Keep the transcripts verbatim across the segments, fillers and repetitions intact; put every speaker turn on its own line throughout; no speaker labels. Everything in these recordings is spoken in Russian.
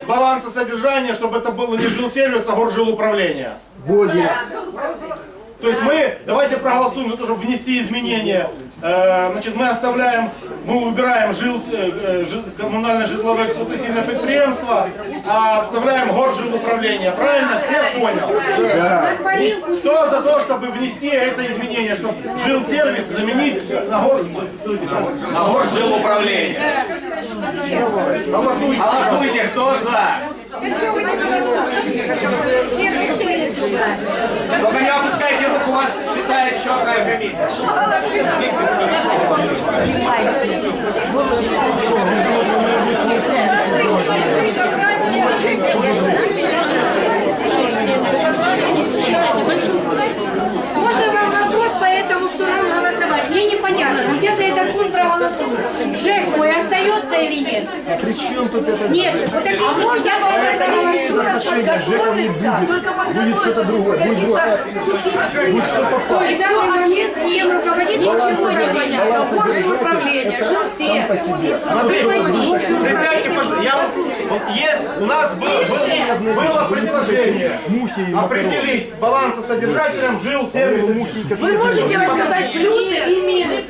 баланса содержания, чтобы это было не жилсервис, а горжилуправление.
Будет.
То есть мы, давайте проголосуем за то, чтобы внести изменения. Э, значит, мы оставляем, мы убираем жил, э, жил, коммунальное житловое эксплуатационное предприятие, а вставляем горжилуправление. Правильно? Всех понял?
Да.
И кто за то, чтобы внести это изменение, чтобы жилсервис заменить на гор...
На горжилуправление.
Голосуйте.
Голосуйте, кто за? Только не опускайте руку, вас считает четкая комиссия.
Можно вам вопрос по этому, что нам голосовать? Мне непонятно, где за этот пункт проголосуют? ЖЭК мой остается или нет?
При чем тут это?
Нет, вот так
А можно я вам еще раз подготовиться? Только
Будет что-то другое. Будет другое.
То есть в данный момент всем руководителям
ничего не понятно. Горжуправление, жилсервис.
Смотрите, присядьте, пожалуйста. Я вот есть, у нас был, был- было предложение определить балансосодержателем жил сервиса.
Вы можете рассказать плюсы и минусы?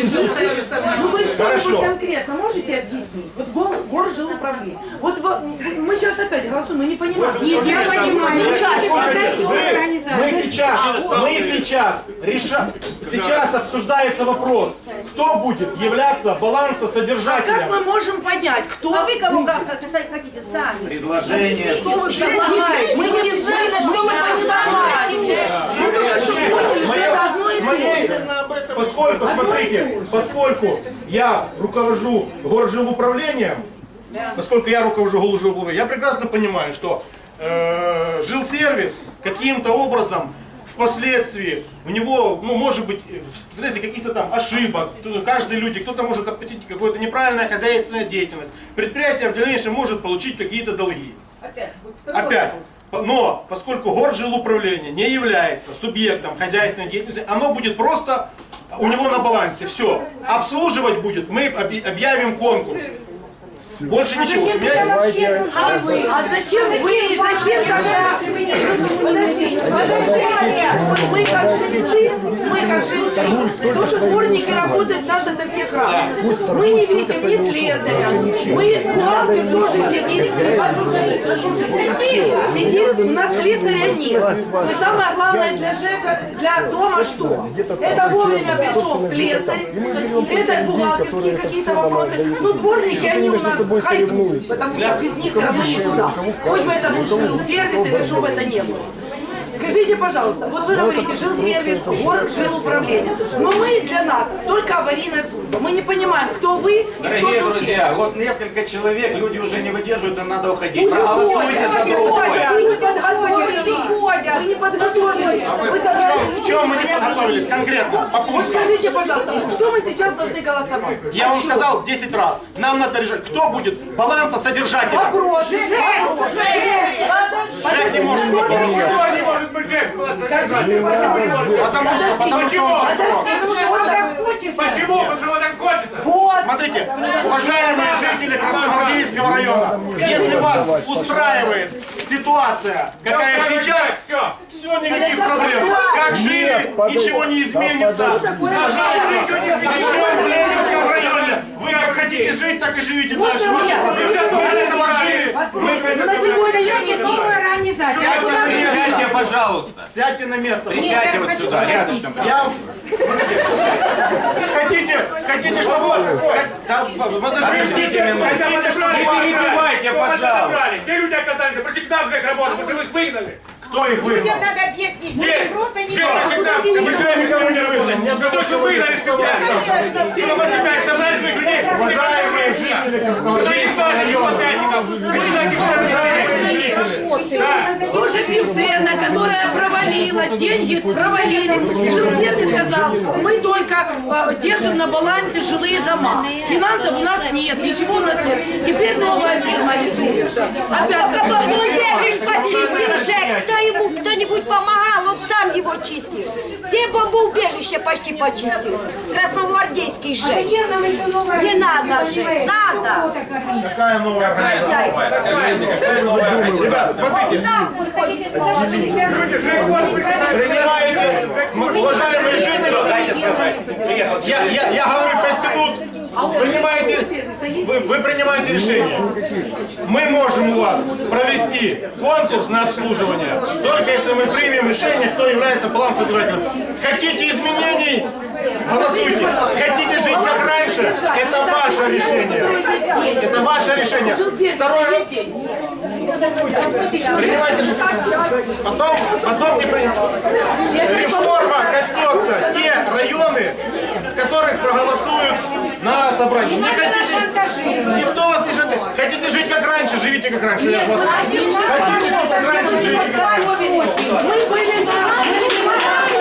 Ну вы
Хорошо.
что-нибудь конкретно можете объяснить? Вот гор, горжилуправление. Вот во- мы сейчас опять голосуем, но не понимаем.
Нет, я понимаю.
Слушайте, вы- мы сейчас, мы сейчас решаем, сейчас обсуждается вопрос, кто будет являться
А как
балансосодержателем.
мы можем понять, кто...
А вы кого как хотите сами?
Предложение.
Что вы предлагаете? Мы не знаем, на что мы там
Мы только что поняли, что
Моя-
это одно и
с моей-
то же.
Поскольку, смотрите, поскольку я руковожу горжилуправлением, поскольку я руковожу горжилуправлением, я прекрасно понимаю, что э, жилсервис каким-то образом впоследствии у него, ну, может быть, вследствие каких-то там ошибок, каждый люди, кто-то может допустить какую-то неправильную хозяйственную деятельность, предприятие в дальнейшем может получить какие-то долги.
Опять.
Опять. Но поскольку горжилуправление не является субъектом хозяйственной деятельности, оно будет просто у него на балансе. Все. Обслуживать будет, мы объ- объявим конкурс. Больше ничего. Понимаете?
А вы? А зачем вы? Зачем тогда? Подождите, подождите. Вот мы как жильцы, мы как жильцы, то, что дворники работают, нас это всех радует. Мы не видим ни слесаря, мы, бухгалтер тоже сидит. Сидит, у нас слесаря нет. То есть самое главное для ЖЭКа, для дома что? Это вовремя пришел слесарь, это бухгалтерские какие-то вопросы. Ну, дворники, они у нас хайпуют, потому что без них все равно не туда. Хоть бы это был жилсервис или что бы это не было. Скажите, пожалуйста, вот вы говорите, жилсервис, город, жилуправление. Но мы для нас только аварийная служба. Мы не понимаем, кто вы,
Дорогие
кто
друзья, вот несколько человек, люди уже не выдерживают, им надо уходить.
Пусть
Проголосуйте
уходят.
за другое.
Вы не подготовились. Вы не подготовились. Вы
В чем мы не подготовились конкретно? По
Вот
пунктам.
скажите, пожалуйста, что мы сейчас должны голосовать?
Я вам
О чем?
сказал десять раз. Нам надо решать, кто будет балансосодержателем.
Вопрос.
Жек не может быть балансосодержателем. Потому что, потому что он подпорог.
Почему?
Почему так хочется?
Вот.
Смотрите, уважаемые жители Красногвардейского района, если вас устраивает ситуация, какая сейчас, все, никаких проблем. Как жили, ничего не изменится. Пожалуйста, начнем в Ленинском районе. Вы как хотите жить, так и живите дальше. Ваши проблемы. Мы предложили, мы
На сегодня новая организация.
Сядьте на место.
Сядьте, пожалуйста.
Сядьте на место.
Присядьте вот сюда, рядышком.
Я... Хотите, хотите, чтобы... вас- Да, подождите,
минуту.
хотите, чтобы
Не
вас...
перебивайте, пожалуйста.
Где люди оказались? Против нам же работают, потому что вы их выгнали.
Кто их выгнал?
Надо объяснить.
Нет,
Просто не
все, всегда, мы же никого не выгнали.
Нет,
Вы то, что выгнали, что вы И вы вот теперь собрали своих людей.
Уважаемые жители Красногвардейского района,
Тоже Пивдена, которая провалилась, деньги провалились. Жилсервис сказал, мы только э, держим на балансе жилые дома. Финансов у нас нет, ничего у нас нет. Теперь новая фирма рисуется. Опять как
Ну, держишь, почистил ЖЭК. Кто ему кто-нибудь помогал, он сам его чистил. Все Ты бомбоубежище почти почистил. Красногвардейский
А
ЖЭК.
зачем нам еще новая
Не надо
организация?
же, надо.
Кого-то кормить?
Какая новая организация? Ребят, смотрите,
Вы хотите сказать, что не связано
принимаете, см- уважаемые жители, я, я, я говорю пять минут, принимаете, вы, вы принимаете решение. Мы можем у вас провести конкурс на обслуживание, только если мы примем решение, кто является план-собирателем. Хотите изменений? Голосуйте. Хотите жить как раньше? Это ваше решение. Это ваше решение. Второй раз. Принимайте решение. Потом, потом не принимайте. Реформа коснется те районы, в которых проголосуют на собрании. Не хотите, никто вас не ждет. Хотите жить как раньше, живите как раньше. Я вас... Хотите жить как раньше, живите как раньше.
Мы были на...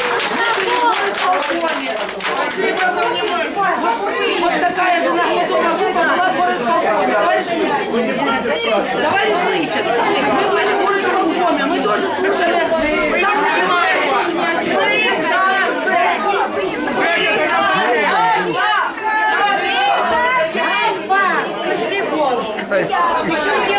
Вот такая же нагнетова группа была в горосполкоме. Товарищ Лысин. Товарищ Лысин, мы были в горосполкоме, мы тоже слушали. Там разговаривали тоже ни о чем.
Пришли в Волжск. Еще